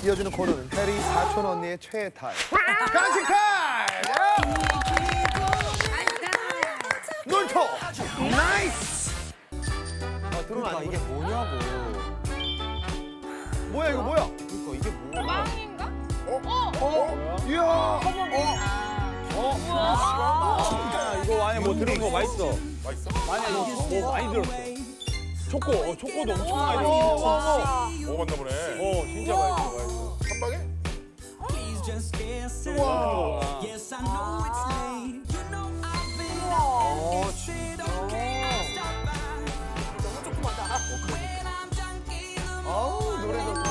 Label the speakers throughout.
Speaker 1: 이어지는 코너는 해리 사촌 언니의 최애 타임. 간식 타임! 놀토! 나이스!
Speaker 2: 그러니까 이게 뭐냐고.
Speaker 1: 뭐야 이거 뭐야?
Speaker 2: 그러니까 이게 뭐야.
Speaker 3: 빵인가?
Speaker 1: 이야!
Speaker 4: 이거 안에 뭐 들은 거 맛있어. 맛있어? 안에 뭐 많이 들었어. 초코, 초코도 엄청 많이 들었어.
Speaker 5: 먹어봤나 보네.
Speaker 4: 진짜 맛있어, 맛있어.
Speaker 5: 한 방에?
Speaker 1: 아우 노래 좋다.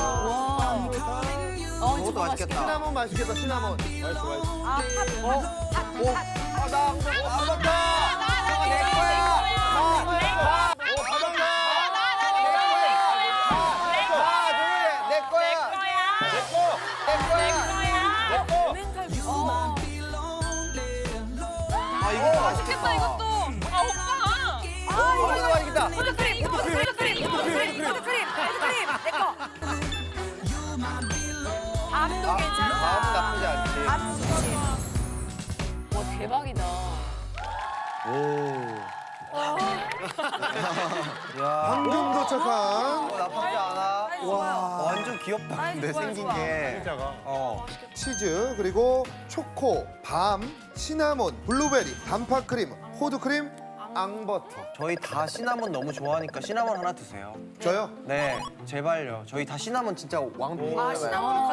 Speaker 2: 저것도 맛있겠다.
Speaker 1: 시나몬 맛있겠다 시나몬.
Speaker 4: 맛있어, 맛있어.
Speaker 1: 나 먹었다. 내 거야. 내 거야.
Speaker 2: 아, 이거 맛있겠다.
Speaker 3: 이것도. 아, 오빠.
Speaker 1: 이거 맛있겠다.
Speaker 3: 포도크림, 포도크림, 내 거. 밥도 괜찮아.
Speaker 1: 마음은 나쁘지 않지.
Speaker 3: 와, 대박이다.
Speaker 1: 방금 도착한.
Speaker 2: 나쁘지 않아. 와, 완전 귀엽다. 근데 생긴 게.
Speaker 4: 진짜가.
Speaker 1: 치즈 그리고 초코, 밤, 시나몬, 블루베리, 단팥크림, 호두크림, 앙버터.
Speaker 2: 저희 다 시나몬 너무 좋아하니까 시나몬 하나 드세요.
Speaker 1: 저요?
Speaker 2: 네, 제발요. 저희 다 시나몬 진짜 왕팬이에요.
Speaker 3: 시나몬은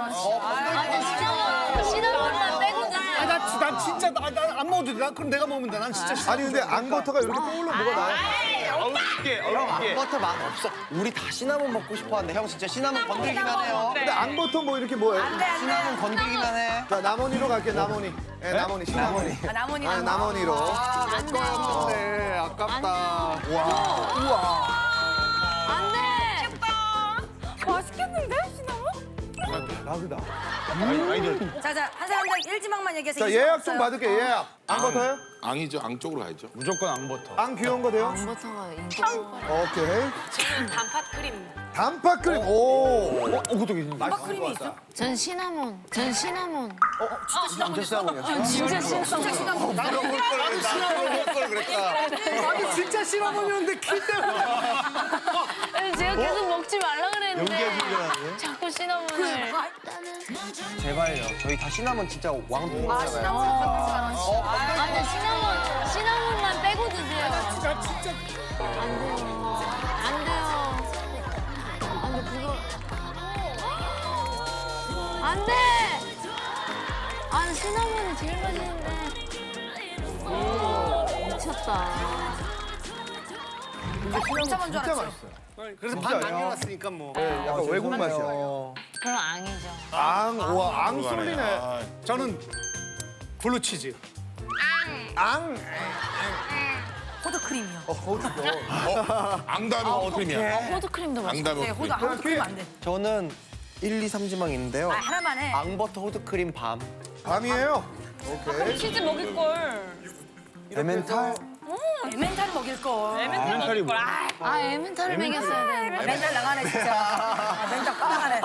Speaker 3: 시나몬만 빼고 드세요.
Speaker 4: 난 진짜 안 먹어도 돼. 그럼 내가 먹으면 돼. 난 진짜
Speaker 1: 아니 근데 앙버터가 이렇게 뽀글로 뭐가 나요?
Speaker 2: 앙버터 맛 없어. 우리 다 시나몬 먹고 싶어 하는데 형 진짜 시나몬 건들기만 해요.
Speaker 1: 근데 앙버터 뭐 이렇게 뭐예요?
Speaker 2: 시나몬 건들기만 해.
Speaker 1: 자 나머니로 갈게 나머니. 네, 나머니 시나몬이.
Speaker 3: 나머니
Speaker 1: 아, 나머니로.
Speaker 2: 내 거였는데 아깝다.
Speaker 3: 안 돼. 맛있겠는데, 시나몬?
Speaker 1: 대박이다.
Speaker 6: 자자 한 사람당 1지망만 얘기해서
Speaker 1: 자 예약 좀 받을게 예약. 앙버터요?
Speaker 5: 앙이죠. 앙 쪽으로 가야죠.
Speaker 4: 무조건 앙버터.
Speaker 1: 앙 귀여운 거 돼요?
Speaker 3: 버터가 인기가
Speaker 1: 오케이.
Speaker 3: 단팥크림.
Speaker 1: 단팥크림. 오.
Speaker 4: 그것도 괜찮네.
Speaker 6: 크림이 있어?
Speaker 3: 전 시나몬.
Speaker 2: 진짜 시나몬이었어?
Speaker 3: 진짜 시나몬.
Speaker 2: 나도 먹을 걸 그랬다.
Speaker 4: 아니 진짜 시나몬이었는데 키 때문에.
Speaker 3: 제가 계속 먹지 말라 그랬는데
Speaker 2: 연기해주려고.
Speaker 3: 자꾸 시나몬을.
Speaker 2: 제발요. 저희 다 시나몬 진짜 왕팬이잖아요.
Speaker 3: 아, 근데 시나몬만 빼고 드세요.
Speaker 4: 진짜.
Speaker 3: 안 돼요. 안 돼요. 안 돼, 그거. 안 돼! 아, 시나몬이 제일 맛있는데. 미쳤다.
Speaker 1: 진짜
Speaker 6: 줄 알았죠?
Speaker 1: 맛있어요.
Speaker 4: 그래서
Speaker 1: 진짜요?
Speaker 4: 반 남겨놨으니까 뭐.
Speaker 1: 약간 외국 맛이야.
Speaker 3: 그럼 앙이죠.
Speaker 1: 앙, 와, 앙
Speaker 5: 들어가네.
Speaker 1: 쏠리네.
Speaker 5: 아,
Speaker 4: 저는 블루치즈.
Speaker 1: 앙.
Speaker 6: 호두크림이요.
Speaker 1: 호두도.
Speaker 5: 앙 다음에 호크림이야.
Speaker 3: 호두크림도
Speaker 5: 앙 다음에
Speaker 6: 네,
Speaker 5: 호크림.
Speaker 6: 호두크림 안 돼.
Speaker 2: 저는 1, 2, 3지망 있는데요.
Speaker 6: 아 하나만 해.
Speaker 2: 앙버터 호두크림 밤.
Speaker 1: 밤이에요. 오케이.
Speaker 3: 치즈 먹을걸.
Speaker 2: 에멘탈.
Speaker 6: 에멘탈 먹일 걸.
Speaker 4: 멘탈이 뭐?
Speaker 3: 아, 에멘탈을 먹였어야 되는데.
Speaker 6: 멘탈 나가네 진짜. 멘탈 빠가네.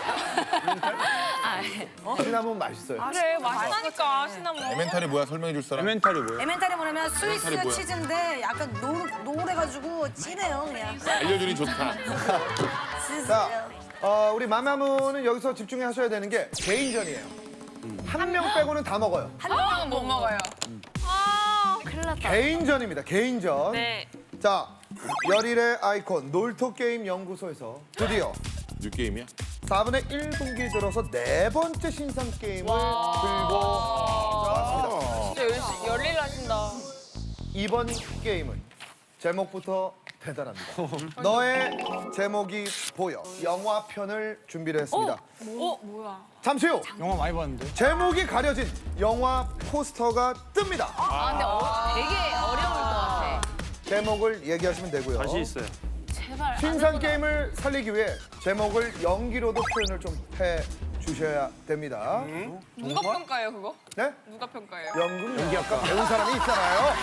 Speaker 1: 시나몬 맛있어요.
Speaker 3: 그래, 맛있다니까, 시나몬.
Speaker 5: 에멘탈이 뭐야? 설명해 줄 사람?
Speaker 4: 에멘탈이 뭐야?
Speaker 6: 에멘탈이 뭐냐면 스위스
Speaker 5: 에멘탈이 뭐야?
Speaker 6: 치즈인데 약간 노래가지고 진해요 그냥.
Speaker 5: 알려주니 좋다.
Speaker 1: 자, 우리 마마무는 여기서 집중해 하셔야 되는 게 개인전이에요. 한 명 빼고는 다 먹어요.
Speaker 3: 한 명은 못 먹어요. 아, 큰일 났다.
Speaker 1: 개인전입니다. 개인전.
Speaker 3: 네.
Speaker 1: 자, 열일의 아이콘 놀토 게임 연구소에서 드디어
Speaker 5: 뉴게임이야?
Speaker 1: 4분의 1분기 들어서 네 번째 신상 게임을 들고 나왔습니다.
Speaker 3: 진짜 열일 하신다.
Speaker 1: 이번 게임은 제목부터 대단합니다. 너의 제목이 보여. 영화편을 준비를 했습니다.
Speaker 3: 뭐야.
Speaker 1: 잠시 후
Speaker 4: 영화 많이 봤는데.
Speaker 1: 제목이 가려진 영화 포스터가 뜹니다.
Speaker 3: 아, 근데 되게 어려울 것 같아.
Speaker 1: 제목을 얘기하시면 되고요.
Speaker 4: 다시 있어요.
Speaker 3: 제발.
Speaker 1: 신상 게임을 살리기 위해 제목을 연기로도 표현을 좀 해주셔야 됩니다.
Speaker 3: 누가 평가해요, 그거?
Speaker 1: 네?
Speaker 3: 누가 평가해요?
Speaker 1: 연기학과 배운 사람이 있잖아요.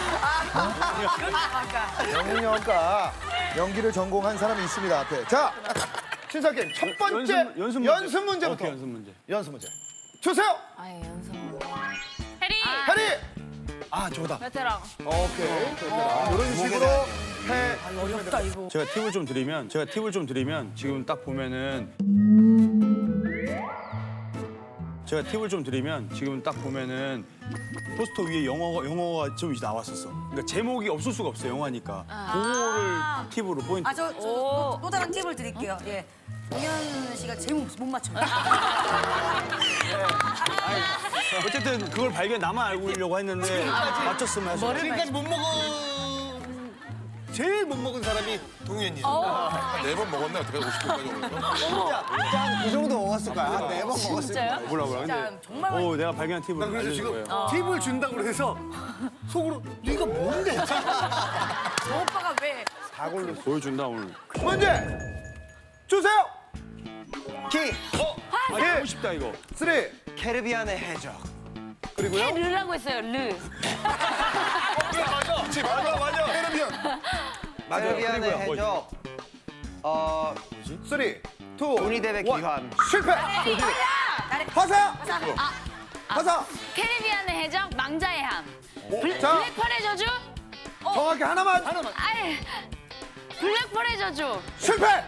Speaker 1: 연기학과 연기를 전공한 사람이 있습니다. 앞에. 자, 신사 게임 첫 번째 연습 문제부터.
Speaker 4: 오케이, 연습 문제.
Speaker 1: 연습 문제. 주세요.
Speaker 3: 아예 연습.
Speaker 7: 해리.
Speaker 1: 해리.
Speaker 2: 아 저거다.
Speaker 7: 베테랑.
Speaker 1: 오케이. 이런 식으로 해.
Speaker 6: 어렵다 이거.
Speaker 4: 제가 팁을 좀 드리면 지금 딱 보면은 포스터 위에 영어가 좀 나왔었어. 그러니까 제목이 없을 수가 없어 영화니까. 그거를 팁으로 포인트.
Speaker 6: 또 다른 팁을 드릴게요. 예. 동현 씨가 제목 못 맞춰요.
Speaker 4: 어쨌든 그걸 나만 알고 있려고 했는데 맞췄으면 해서.
Speaker 2: 지금까지 제일 못 먹은 사람이 동현이.
Speaker 5: 4번 먹었네. 어떻게 50분까지 먹었어?
Speaker 2: 그 정도 먹었을 거야. 한 4번 먹었을 거야.
Speaker 4: 몰라. 근데
Speaker 6: 진짜 정말
Speaker 4: 내가 발견한 팁을 알려준 거예요.
Speaker 2: 팁을 준다고 해서 속으로 네가 뭔데?
Speaker 6: 저 오빠가 왜?
Speaker 4: 보여준다 오늘.
Speaker 1: 문제 주세요.
Speaker 2: 키.
Speaker 4: 하고 싶다 이거.
Speaker 1: 3.
Speaker 2: 캐리비안의 해적.
Speaker 1: 그리고요.
Speaker 3: 르라고 했어요. 르.
Speaker 5: 맞아. 캐리비안.
Speaker 2: 캐리비안의
Speaker 1: 그리고요.
Speaker 2: 해적.
Speaker 1: 3, 2, 1.
Speaker 2: 조니뎁의 귀환.
Speaker 1: 실패. 화사. 화사.
Speaker 3: 캐리비안의 해적 망자의 함.
Speaker 1: 자,
Speaker 3: 블랙펄의 저주.
Speaker 1: 정확히 하나만.
Speaker 3: 아이. 블랙펄의 저주.
Speaker 1: 실패.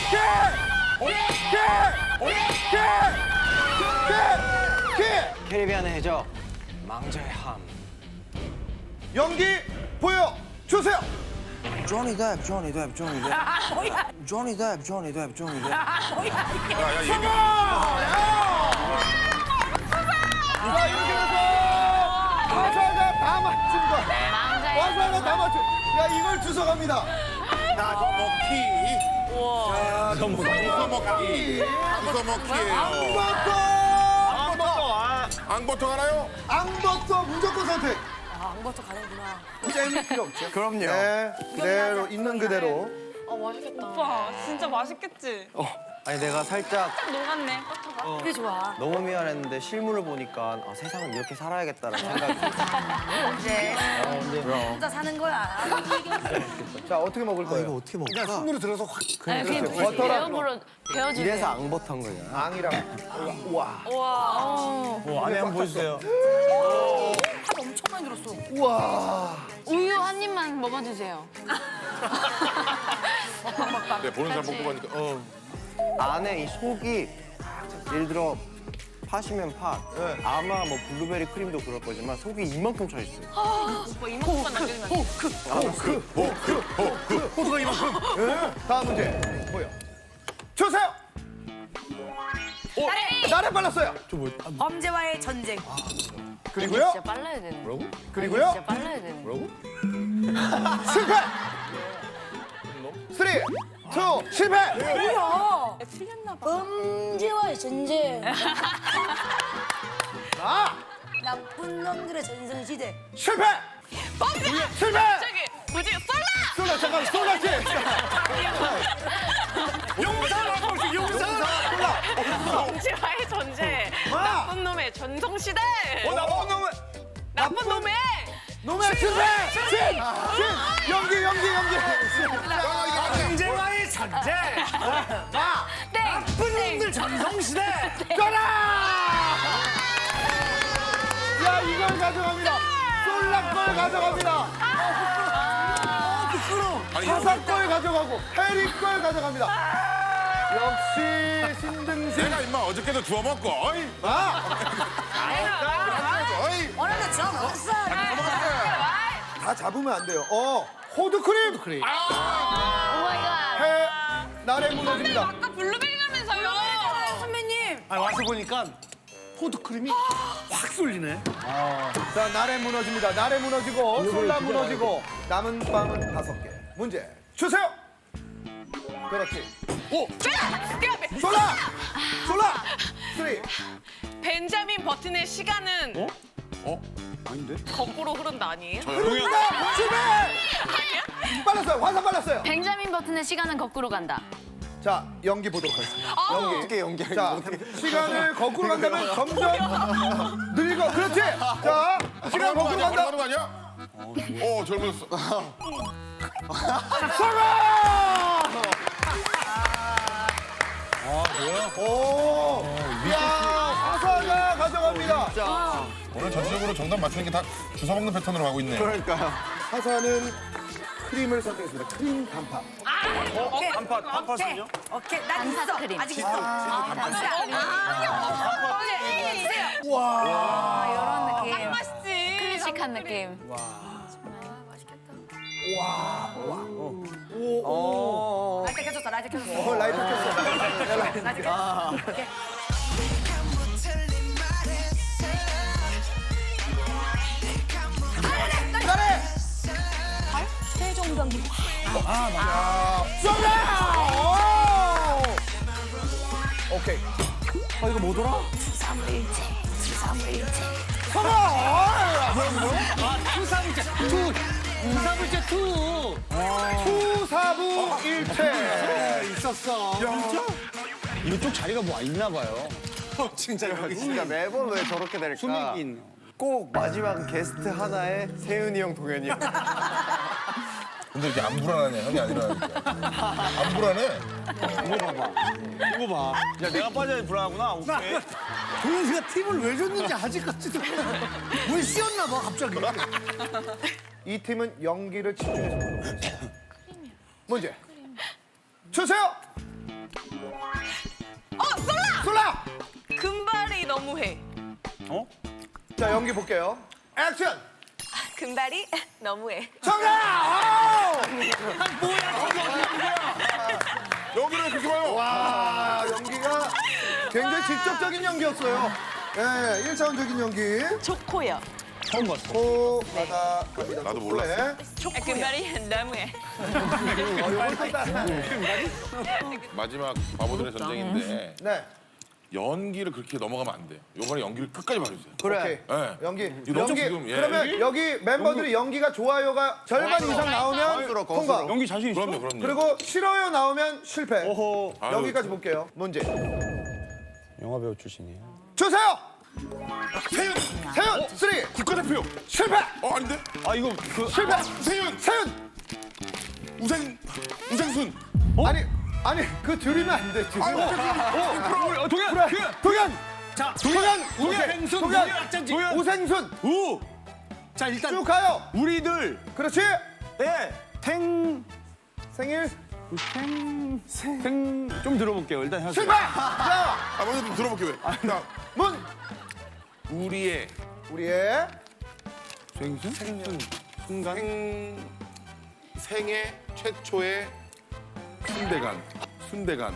Speaker 2: 캐리비안의 해적. 망자의 함.
Speaker 1: 연기 보여 주세요.
Speaker 2: 조니 뎁. 조니 뎁.
Speaker 5: 야, 얘기.
Speaker 1: 자, 이렇게 해서 화사가 다 맞춘 거야.
Speaker 3: 망자의 함.
Speaker 1: 화사가 다 맞춘. 야, 이걸 주워갑니다.
Speaker 5: 나도 먹기.
Speaker 4: 너
Speaker 5: 이거 먹기. 이거 먹기예요. 앙버터 알아요?
Speaker 1: 앙버터 무조건 선택.
Speaker 6: 아무것도 가는구나.
Speaker 1: 잼 필요 없죠.
Speaker 2: 그럼요.
Speaker 1: 네, 그대로 있는 그대로.
Speaker 7: 오빠 진짜 맛있겠지?
Speaker 2: 아니 내가 살짝
Speaker 7: 녹았네 버터가.
Speaker 6: 그게 좋아.
Speaker 2: 너무 미안했는데 실물을 보니까 세상은 이렇게 살아야겠다라는 생각이.
Speaker 6: 이제
Speaker 2: 그럼.
Speaker 6: 혼자 사는 거야.
Speaker 1: 자, 어떻게 먹을 거예요?
Speaker 2: 어떻게 먹을까? 손으로 들어서 확.
Speaker 3: 그냥
Speaker 1: 버터랑
Speaker 3: 배워보러 배워주세요.
Speaker 2: 이래서 앙버터인 거냐?
Speaker 1: 앙이랑. 우와.
Speaker 7: 와.
Speaker 4: 안에 한번 보여주세요.
Speaker 6: 탑 엄청 많이 들었어.
Speaker 1: 우와.
Speaker 3: 우유 한 입만 먹어주세요.
Speaker 5: 네, 보는 사람 먹고 가니까.
Speaker 2: 안에 이 속이 예를 들어 팥이면 팥. 아마 뭐 블루베리 크림도 그럴 거지만 속이 이만큼 차 있어요.
Speaker 7: 오빠 이만큼만 남겨주면 안 돼?
Speaker 1: 호두가 이만큼. 네. 다음 문제 보여 주세요. 나를 빨랐어요.
Speaker 6: 범죄와의 전쟁.
Speaker 1: 그리고요.
Speaker 3: 진짜 빨라야 되는. 뭐라고?
Speaker 1: 그리고요.
Speaker 3: 진짜 빨라야 되는. 뭐라고?
Speaker 1: 실패. 3, 2, 실패.
Speaker 6: 뭐야?
Speaker 7: 틀렸나 봐.
Speaker 6: 범죄와의 전쟁.
Speaker 1: 아,
Speaker 6: 나쁜 놈들의 전성시대.
Speaker 1: 실패.
Speaker 7: 범죄!
Speaker 1: 실패.
Speaker 7: 저기 뭐지? 쏠라!
Speaker 1: 쏠라 잠깐 쏠라지.
Speaker 7: 범죄와의 전쟁. 나쁜 놈의 전성시대. 나쁜 놈의
Speaker 1: 놈의 실패. 신. 연기.
Speaker 2: 범죄와의 전쟁.
Speaker 3: 땡.
Speaker 2: 놈들 전성시대.
Speaker 1: 가라. 야, 이걸 가져갑니다. 쏠라 걸 가져갑니다. 화사 걸 가져가고 해리 걸 가져갑니다. 역시 신등신.
Speaker 5: 내가 임마 어저께도 주워 먹고. 어이. 어이.
Speaker 6: 어른들 저 먹었어.
Speaker 1: 다 잡으면 안 돼요. 호두크림.
Speaker 3: 오 마이 갓.
Speaker 1: 해 날에 무너집니다.
Speaker 7: 아까 블루베리라면서요.
Speaker 6: 선배님.
Speaker 2: 아니 와서 보니까 포도크림이 확 쏠리네.
Speaker 1: 자, 날에 무너집니다. 날에 무너지고 솔라 무너지고 남은 빵은 5개. 문제 주세요. 그렇지. 솔라. 3.
Speaker 7: 벤자민 버튼의 시간은
Speaker 4: 아닌데?
Speaker 7: 거꾸로 흐른다 아니에요?
Speaker 1: 흐른다. 실패.
Speaker 7: 아니야?
Speaker 1: 빨랐어요. 화살 빨랐어요.
Speaker 3: 벤자민 버튼의 시간은 거꾸로 간다.
Speaker 1: 자, 연기 보도록 하겠습니다.
Speaker 2: 어떻게 연기하는
Speaker 1: 자, 시간을 거꾸로 간다면 점점 늙어. 그렇지. 자, 시간 거꾸로 간다.
Speaker 5: 하는 거 아니야? 젊었어.
Speaker 1: 성공! 오, 이야, 화사가 가져갑니다.
Speaker 5: 오늘 전체적으로 정답 맞추는 게 다 주워 먹는 패턴으로 가고 있네.
Speaker 2: 그러니까요.
Speaker 1: 화사는 크림을 선택했습니다. 크림 단팥.
Speaker 6: 오케이.
Speaker 4: 단팥은요?
Speaker 6: 오케이. 난 있어.
Speaker 3: 크림.
Speaker 6: 아직 있어.
Speaker 1: 와,
Speaker 3: 이런 느낌.
Speaker 7: 맛있지.
Speaker 3: 클래식한 느낌.
Speaker 6: 라이트 켜줬어. 라이트 켜줬어.
Speaker 1: 라이트 켰어.
Speaker 6: 라이트 켜줬어. 오케이.
Speaker 1: 잘해.
Speaker 3: 최종병기.
Speaker 1: 정답! 오! 오케이.
Speaker 4: 이거 뭐더라?
Speaker 1: 성공!
Speaker 4: 투사불제 투.
Speaker 1: 투사부일체.
Speaker 4: 있었어. 진짜? 이쪽 자리가 뭐 있나 봐요.
Speaker 2: 진짜 매번 왜 저렇게 될까?
Speaker 4: 수맥인.
Speaker 2: 꼭 마지막 게스트 하나에 세윤이 형, 동현이 형.
Speaker 5: 근데 이렇게 안 불안하냐? 형이 아니라니까. 안 불안해?
Speaker 4: 이거 봐. 야, 내가 빠져야 불안하구나. 오케이.
Speaker 8: 도현 씨가 팁을 왜 줬는지 아직까지도 뭘 씌웠나 봐 갑자기.
Speaker 1: 이 팀은 연기를 집중해서 보겠습니다. 문제 주세요.
Speaker 7: 솔라.
Speaker 1: 솔라.
Speaker 7: 금발이 너무해.
Speaker 4: 어?
Speaker 1: 자, 연기 볼게요. 액션.
Speaker 7: 금발이 너무해.
Speaker 1: 정답!
Speaker 5: 여기를 그렇게 봐요.
Speaker 1: 와, 연기가 굉장히 직접적인 연기였어요. 네, 1차원적인 연기.
Speaker 7: 초코요.
Speaker 4: 처음 봤어.
Speaker 1: 코, 바다, 갑니다.
Speaker 5: 나도 몰랐어.
Speaker 1: 네.
Speaker 7: 금발이 너무해.
Speaker 1: 요걸 또 따라.
Speaker 5: 마지막 바보들의 전쟁인데
Speaker 1: 네,
Speaker 5: 연기를 그렇게 넘어가면 안 돼. 요번에 연기를 끝까지 봐주세요.
Speaker 1: 오케이.
Speaker 5: 네.
Speaker 1: 연기.
Speaker 5: 이거
Speaker 1: 연기.
Speaker 5: 지금, 예.
Speaker 1: 그러면 여기 멤버들이 연기가 좋아요가 절반 이상 나오면 통과.
Speaker 4: 연기 자신 있어?
Speaker 5: 그럼요.
Speaker 1: 그리고 싫어요 나오면 실패.
Speaker 4: 어허.
Speaker 5: 아유,
Speaker 1: 여기까지 볼게요. 문제
Speaker 4: 영화 배우 출신이에요.
Speaker 1: 주세요.
Speaker 5: 세윤!
Speaker 1: 세윤, 쓰리.
Speaker 5: 국가대표!
Speaker 1: 실패.
Speaker 5: 아닌데?
Speaker 4: 아, 이거 그
Speaker 1: 실패.
Speaker 5: 세윤!
Speaker 1: 세윤.
Speaker 5: 우생순!
Speaker 1: 아니 그 줄이면 안 돼. 줄이면.
Speaker 4: 동현.
Speaker 1: 그래. 동현.
Speaker 4: 자,
Speaker 1: 동현.
Speaker 4: 우생순.
Speaker 1: 동현.
Speaker 4: 동현.
Speaker 1: 우생순.
Speaker 4: 우. 자, 일단
Speaker 1: 쭉 가요.
Speaker 4: 우리들
Speaker 1: 그렇지.
Speaker 4: 예.
Speaker 1: 생일
Speaker 4: 좀 들어볼게요. 일단 하세요.
Speaker 1: 실패. 자,
Speaker 5: 먼저 좀 들어볼게 왜? 자,
Speaker 1: 문.
Speaker 5: 우리의
Speaker 1: 우리의
Speaker 4: 순간.
Speaker 5: 생애 최초의 순대간.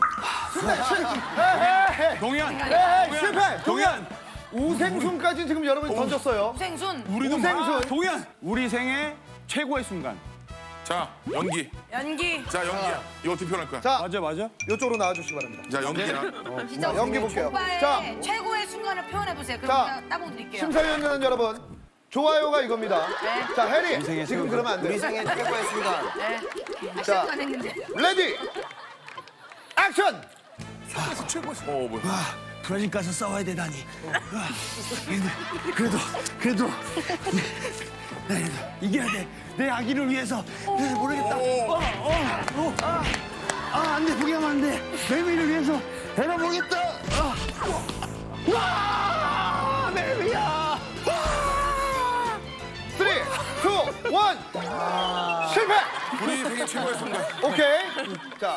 Speaker 1: 헤헤헤.
Speaker 4: 동현.
Speaker 1: 헤헤 실패.
Speaker 4: 동현.
Speaker 1: 우생순까지 지금 여러분이 던졌어요.
Speaker 6: 생순.
Speaker 4: 우리도
Speaker 1: 우생순.
Speaker 4: 동현. 우리 생애 최고의 순간.
Speaker 5: 자, 연기.
Speaker 6: 연기.
Speaker 5: 자, 연기야. 이거 어떻게 표현할 거야?
Speaker 1: 자,
Speaker 4: 맞아.
Speaker 1: 이쪽으로 나와주시기 바랍니다.
Speaker 5: 자, 연기야.
Speaker 1: 자, 연기 볼게요.
Speaker 6: 오빠의
Speaker 1: 자,
Speaker 6: 최고의 순간을 표현해 보세요. 그럼
Speaker 1: 자,
Speaker 6: 제가 따봉 드릴게요.
Speaker 1: 심사위원 여러분, 좋아요가 이겁니다. 자, 해리,
Speaker 4: 생애
Speaker 1: 지금
Speaker 4: 최고.
Speaker 1: 그러면 안
Speaker 2: 우리
Speaker 1: 돼.
Speaker 2: 생애 최고의 순간.
Speaker 6: 네.
Speaker 1: 자.
Speaker 6: 시간 했는데.
Speaker 1: 레디, 액션.
Speaker 5: 뭐야?
Speaker 8: 브라질 가서 싸워야 되다니. 그래도 나 이겨야 돼. 내 아기를 위해서. 모르겠다. 안 돼. 포기하면 안 돼. 매미를 위해서. 내가 모르겠다. 와! 매미야.
Speaker 1: 3, 2, 1. 실패.
Speaker 5: 우리 생애 최고의 순간.
Speaker 1: 오케이. 자.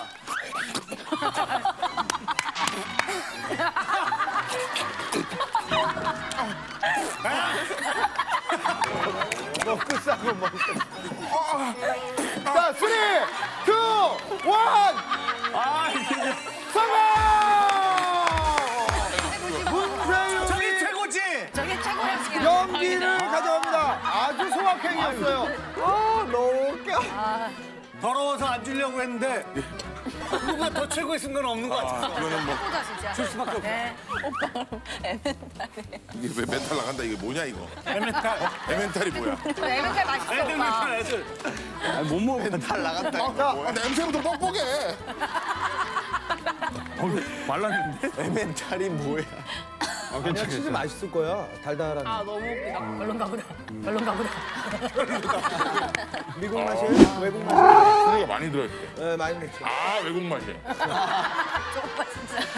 Speaker 1: 먹고 싸고 먹고. 자, 3, 2, 1.
Speaker 4: 아, 진짜.
Speaker 1: 성공! 문세윤이
Speaker 8: 최고지.
Speaker 6: 저게 최고였어요.
Speaker 1: 연기를 가져갑니다. 아주 소확행이었어요. 너무 웃겨.
Speaker 8: 더러워서 안 주려고 했는데 누가 더 최고의 순간은 없는 것 같아.
Speaker 5: 이거는 뭐
Speaker 6: 최고다 진짜. 네.
Speaker 5: 이게 왜 멘탈 나간다 이게 뭐냐 이거?
Speaker 4: 에멘탈.
Speaker 5: 에멘탈이 뭐야?
Speaker 6: 에멘탈 맛있어 오빠.
Speaker 4: 애들. 못 먹어.
Speaker 2: 달 나갔다.
Speaker 5: 아, 냄새부터 뻑뻑해.
Speaker 4: 말랐는데?
Speaker 2: 에멘탈이 뭐야?
Speaker 1: 그냥 치즈 맛있을 거야. 달달한.
Speaker 7: 아 너무 웃기다.
Speaker 6: 별론가 보다. 별론가 보다.
Speaker 1: 미국 맛이에요? 외국 맛이에요?
Speaker 5: 소리가 많이 들어있대.
Speaker 1: 네, 많이 먹죠.
Speaker 5: 아, 외국 맛이야.
Speaker 6: 저 오빠 진짜.